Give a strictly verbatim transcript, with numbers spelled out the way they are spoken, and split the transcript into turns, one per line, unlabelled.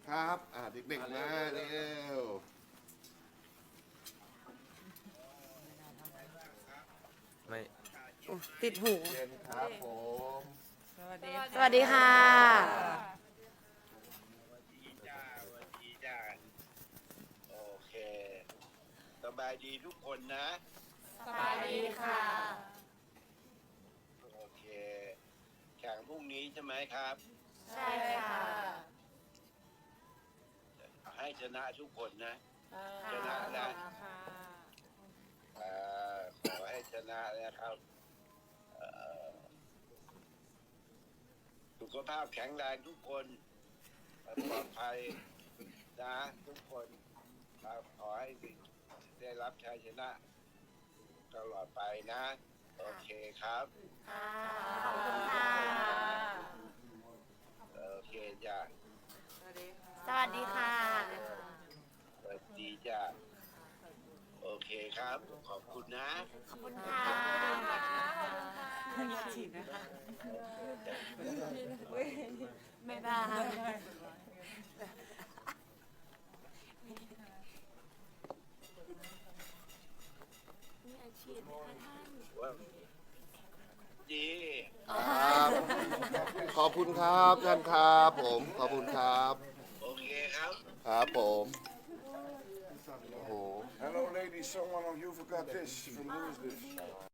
ครับอ่าเด็กๆมาเร็ว
ไม่
ติดหู
เย็นครับผม
สวัสดีค่ะ
ดีจ้าสวัสดีจ้าโอเคสบายดีทุกคนนะ
สบายดีค่ะ
โอเคแข่งพรุ่งนี้ใช่ไหมครับ
ใช่ค่ะ
ให้ชนะทุกคนนะชนะนะอ่าขอให้ชนะนะครับเอ่อสุขภาพแข็งแรงทุกคนปลอดภัยนะทุกคนครับขอให้ได้รับชัยชนะตลอดไปนะ โอเคครับ
ขอบคุณค่ะ
โอเคจ้ะ
สวัสดีค่ะ
สวัสดีจ้ะโอเคครับ ขอบคุณนะ
ขอบคุณค่ะฉีดนะคะไม่ได้มีอาชีพไหมคะท่าน
ว่าดี
ครับ ขอบคุณครับท่านครับผมขอบคุณครับ
โอเคครับ
ครับผมโอ้โห
Hello ladies, someone of you forgot this from Louis this.